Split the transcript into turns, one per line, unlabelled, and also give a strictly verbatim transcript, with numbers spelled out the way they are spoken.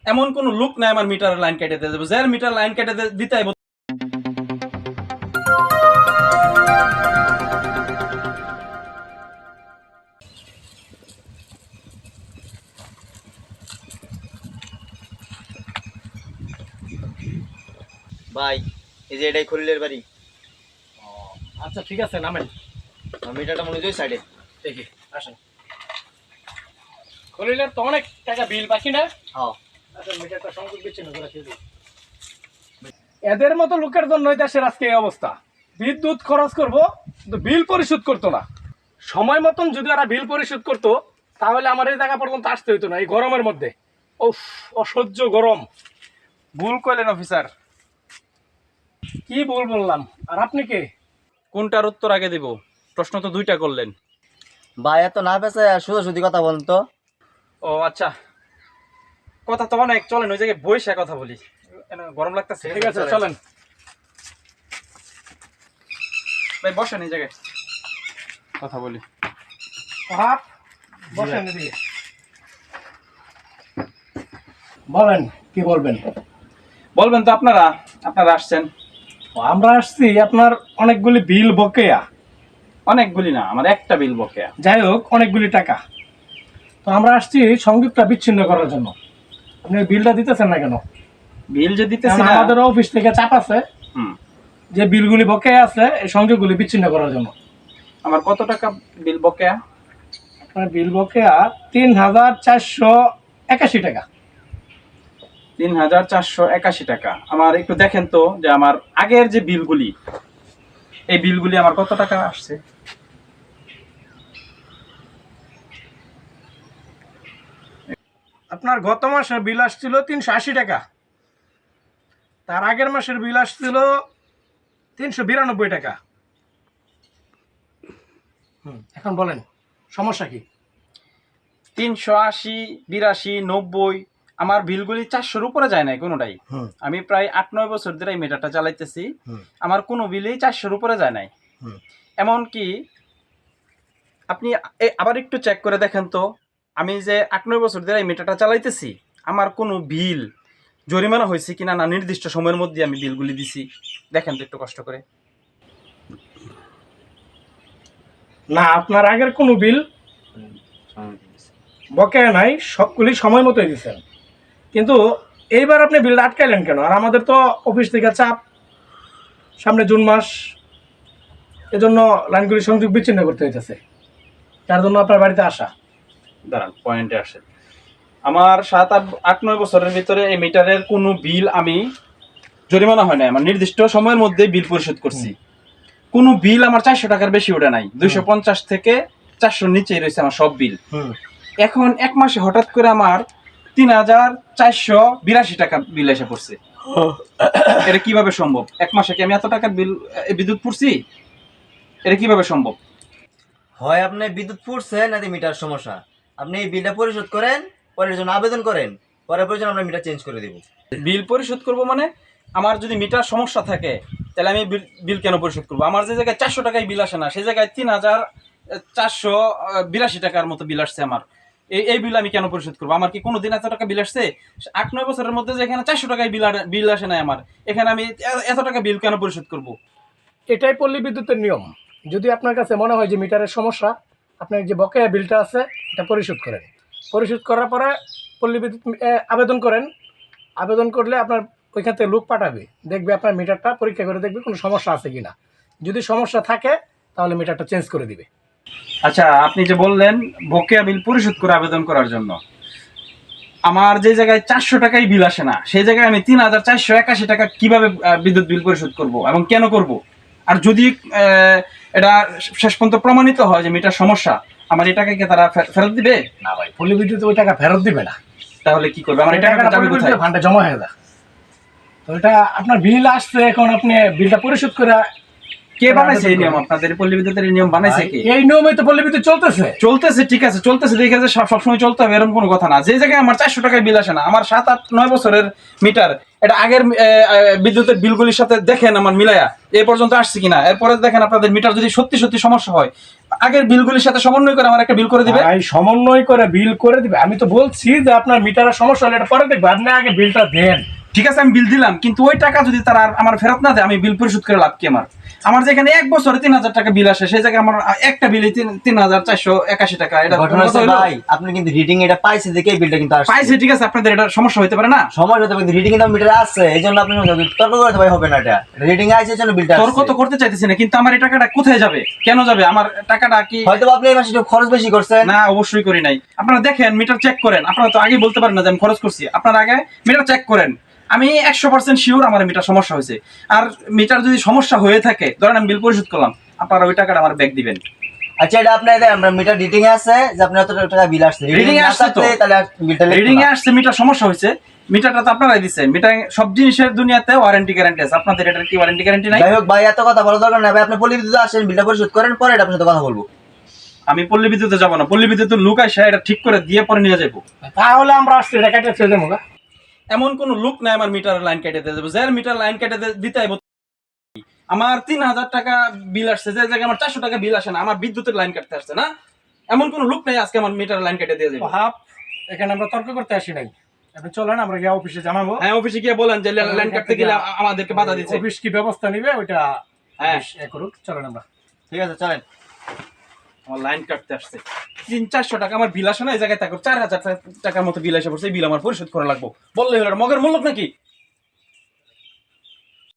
এমন কোন লোক নাই আমার মিটার লাইন কেটে দিয়ে দেবো, যার মিটার লাইন কেটে দিতে আইব।
ভাই এই যে এটাই খলিলের বাড়ি।
আচ্ছা ঠিক আছে, নামেন।
মিটারটা মনে হয় সাইডে।
দেখি, আসেন। খলিলের তো অনেক টাকা বিল বাকি না?
হ্যাঁ।
আচ্ছা, মিটারটা সংযোগ বিচ্ছিন্ন করে দিয়ে দিই। এদের মতো লোকের জন্যই দেশের আজকে এই অবস্থা। বিদ্যুৎ খরচ করব কিন্তু বিল পরিশোধ করতো না। সময় মতন যদি ওরা বিল পরিশোধ করতো তাহলে আমার এই জায়গা পর্যন্ত আসতে হইতো না এই গরমের মধ্যে। উফ, অসহ্য গরম।
ভুল করলেন অফিসার।
কি ভুল বললাম? আর আপনি কে?
কোনটার উত্তর আগে দিব? প্রশ্ন তো দুইটা করলেন।
ভাই এত না পেছে শুধু শুধু কথা বলেন তো।
ও আচ্ছা, কথা তো অনেক, চলেন ওই জায়গায় বইসা কথা বলি, গরম লাগতেছে।
ঠিক আছে, চলেন।
ভাই বসেন এই জায়গায় কথা বলি।
হাত বসেন এদিকে। বলেন কি বলবেন?
বলবেন তো আপনারা, আপনারা আসছেন।
আমরা আসছি আপনার অনেকগুলি বিল বকেয়া।
অনেকগুলি না, আমার একটা বিল বকেয়া।
যাই হোক, অনেকগুলি টাকা। তো আমরা আসছি সংযোগটা বিচ্ছিন্ন করার জন্য। আপনি বিলটা দিতেছেন না কেন?
বিল যে দিতেছি
কারণ
না,
আমাদের অফিস থেকে চাপ আছে
হুম,
যে বিলগুলি বকেয়া আছে এই সংযোগগুলি বিচ্ছিন্ন করার জন্য।
আমার কত টাকা বিল বকেয়া?
আপনার বিল বকেয়া তিন হাজার চারশো একাশি টাকা।
তিন হাজার চারশো একাশি টাকা। আমার একটু দেখেন তো যে আমার আগের যে বিলগুলি, এই বিলগুলি আমার কত টাকা আসছে।
আপনার গত মাসের বিল আসছিল তিনশো আশি টাকা, তার আগের মাসের বিল আসছিল তিনশো বিরানব্বই টাকা। হুম, এখন বলেন সমস্যা কি?
তিনশো আশি, বিরাশি, নব্বই, আমার বিলগুলি চারশোর উপরে যায় নাই কোনোটাই।
হুম।
আমি প্রায় আট নয় বছর ধরে এই মিটারটা চালাইতেছি,
হুম।
আমার কোনো বিলই চারশোর উপরে যায় নাই।
হুম।
এমনকি আপনি এ- আবার একটু চেক করে দেখেন তো, আমি যে আট নয় বছর ধরে এই মিটারটা চালাইতেছি, আমার কোনো বিল জরিমানা হয়েছে কিনা, না নির্দিষ্ট সময়ের মধ্যে আমি বিলগুলি দিছি, দেখেন তো একটু কষ্ট করে।
না, আপনার আগের কোনো বিল বকেয়া নাই, সবগুলি সময় মতোই দিচ্ছেন। কিন্তু এইবার আপনি বিলটা আটকাইলেন কেন? আর আমাদের তো অফিস থেকে চাপ, সামনে জুন মাস, এজন্য লাইনগুলি সংযোগ বিচ্ছিন্ন করতে হইতেছে। তার জন্য আপনার বাড়িতে আসা।
দাঁড়ান, পয়েন্টে আসে। আমার সাত আট আট নয় বছরের ভিতরে এই মিটারের কোনো বিল আমি জরিমানা হয় নাই, আমার নির্দিষ্ট সময়ের মধ্যে বিল পরিশোধ করছি। কোনো বিল আমার চারশো টাকার বেশি ওঠে নাই, দুইশো পঞ্চাশ থেকে চারশোর নিচেই রয়েছে আমার সব বিল। এখন এক মাসে হঠাৎ করে আমার তিন হাজার চারশো বিরাশি টাকা বিল এসে পড়ছে। এটা কিভাবে সম্ভব? এক মাসে কি আমি এত টাকার বিল বিদ্যুৎ পড়ছি? এটা কিভাবে সম্ভব?
হয় আপনি বিদ্যুৎ ফুটছে নাকি মিটার সমস্যা। আপনি এই বিলটা পরিশোধ করেন, পরের জন্য আবেদন করেন, পরে প্রয়োজন আমরা মিটার চেঞ্জ করে দেব।
বিল পরিশোধ করব মানে আমার যদি মিটার সমস্যা থাকে তাহলে আমি বিল বিল কেন পরিশোধ করবো? আমার যে জায়গায় চারশো টাকায় বিল আসে না, সেই জায়গায় তিন হাজার চারশো বিরাশি টাকার মতো বিল আসছে আমার। এই এই বিল আমি কেন পরিশোধ করবো? আমার কি কোনো দিন এত টাকা বিল আসছে? আট নয় বছরের মধ্যে যেখানে চারশো টাকায় বিল বিল আসে না আমার, এখানে আমি এ- এত টাকা বিল কেন পরিশোধ করব?
এটাই পল্লী বিদ্যুতের নিয়ম। যদি আপনার কাছে মনে হয় যে মিটারের সমস্যা, আপনার যে বকেয়া বিলটা আছে এটা পরিশোধ করেন। পরিশোধ করার পরে পল্লী বিদ্যুৎ এ, আবেদন করেন। আবেদন করলে আপনার ওইখান থেকে লোক পাঠাবে, দেখবে আপনার মিটারটা পরীক্ষা করে দেখবে কোনো সমস্যা আছে কিনা। যদি সমস্যা থাকে তাহলে মিটারটা চেঞ্জ করে দিবে।
আচ্ছা, আপনি যে বললেন বকেয়া বিল পরিশোধ করে আবেদন করার জন্য, আমার যে জায়গায় চারশো টাকায় বিল আসে না সেই জায়গায় আমি তিন হাজার চারশো একাশি টাকা কিভাবে আহ, বিদ্যুৎ বিল পরিশোধ করব এবং কেন করব? আর যদি আহ, এটা শেষ পর্যন্ত প্রমাণিত হয় যে মিটার সমস্যা, আমার এই টাকাকে তারা ফে- ফেরত দিবে?
না ভাই, পল্লী বিদ্যুৎ ওই টাকা ফেরত দিবে না।
তাহলে কি করবে? আমার এই টাকাটা যাবে কোথায়?
ফান্ডে জমা হয়ে যায়। তো এটা আপনার বিল আসছে, এখন আপনি বিলটা পরিশোধ করে।
কে বানাইছে এই নিয়ম? আপনাদের পল্লী বিদ্যুতের এই নিয়ম বানাইছে কে?
এই নিয়মে তো পল্লী বিদ্যুৎ চলতেছে।
চলতেছে, ঠিক আছে, চলতেছে, দেখে যে সব সবসময় চলতে হবে এরকম কোনো কথা না। যে জায়গায় আমার চারশো টাকায় বিল আসে না, আমার সাত আট নয় বছরের মিটার, এটা আগের এ, এ, বিদ্যুতের বিলগুলির সাথে দেখেন আমার মিলায়া এ পর্যন্ত আসছে কিনা, এরপরে দেখেন আপনাদের মিটার যদি সত্যি সত্যি সমস্যা হয় আগের বিলগুলির সাথে সমন্বয় করে আমার একটা বিল করে দিবে।
ভাই সমন্বয় করে বিল করে দিবে, আমি তো বলছি যে আপনার মিটারের সমস্যা হলে এটা পরে দেখবে, আপনি আগে বিলটা দেন।
ঠিক আছে আমি বিল দিলাম, কিন্তু ওই টাকা যদি তারা আর আমার ফেরত না দেয় আমি বিল পরিশোধ করে লাভ কি আমার? আমার যেখানে এক বছরে তিন হাজার টাকা বিল আসে সেই জায়গায় আমার একটা বিলে তিন তিন হাজার চারশো একাশি টাকা, এটা
ঘটনা হচ্ছে ভাই আপনি কিন্তু রিডিং এটা পাইছে দেখে এই বিলটা কিন্তু আসছে।
পাইছে ঠিক আছে, আপনাদের এটা সমস্যা হতে পারে না?
সময় হতে কিন্তু রিডিং কিন্তু মিটারে আসছে, এই জন্য আপনি তর্ক করতে ভাই হবে না, এটা রিডিং আইছে এই জন্য বিলটা
তর্ক তো করতে চাইতেছি না, কিন্তু আমার এই টাকাটা কোথায় যাবে, কেন যাবে? আমার টাকাটা কি
হয়তো আপনি এই মাসে একটু খরচ বেশি করছেন।
না, অবশ্যই করি নাই। আপনারা দেখেন মিটার চেক করেন, আপনারা তো আগে বলতে পারেন না যে আমি খরচ করছি। আপনারা আগে মিটার চেক করেন, আমি একশো পার্সেন্ট শিওর আমার মিটার সমস্যা হয়েছে। আর মিটার যদি সমস্যা হয়ে থাকে, ধরেন আমি বিল পরিশোধ করলাম, আপনারা ওই টাকাটা আমার ব্যাক দিবেন।
আচ্ছা এটা আপনার আমরা মিটার রিডিং এ আছে যে আপনার এত টাকা বিল আসছে,
Reading এ আসছে তো।
তাহলে বিলটা
রিডিং এ আসছে মিটার সমস্যা হয়েছে, মিটারটা তো আপনারাই দিচ্ছেন। মিটার সব জিনিসের দুনিয়াতে ওয়ারেন্টি গ্যারান্টি আছে, আপনাদের এটার কি ওয়ারেন্টি গ্যারান্টি নাই?
যাই হোক ভাই এত কথা বলা দরকার নাই ভাই, আপনি পল্লী বিদ্যুৎ আসেন বিলটা পরিশোধ করেন, পরে এটা আপনার সাথে কথা বলবো।
আমি পল্লী বিদ্যুতে যাবো না, পল্লী বিদ্যুতের লোক আসে এটা ঠিক করে দিয়ে পরে নিয়ে যাবো।
তাহলে আমরা আসছি এটা কেটে ছেড়ে দেবো।
এমন কোন লোক নাই আমার মিটার লাইন কেটে দিয়ে যাবো, যার মিটার লাইন কেটে দে- দিতে আইবো। আমার তিন হাজার টাকা বিল আসছে, যে জায়গায় আমার চারশো টাকা বিল আসে না, আমার বিদ্যুতের লাইন কাটতে আসছে না, এমন কোন লোক নাই আজকে আমার মিটার লাইন কেটে দিয়ে যাবে।
হাফ এখানে আমরা তর্ক করতে আসি নাই, আপনি চলেন আমরা গিয়ে অফিসে জানাবো।
হ্যাঁ, অফিসে গিয়ে বলেন যে লাইন কাটতে গেলে আ- আমাদেরকে বাধা দিচ্ছে।
অফিস কি ব্যবস্থা নিবে ওইটা
হ্যাঁ।
অফিস এ করুক, চলেন আমরা।
ঠিক আছে চলেন।
আমার লাইন কাটতে আসছে, তিন চারশো টাকা আমার বিল আসে না, এই জায়গায় থাকো চার হাজার টাকার মতো বিল এসে পড়ছে, এই বিল আমার পরিশোধ করা লাগবো। বললে হলো এটা মগের মূল্য নাকি?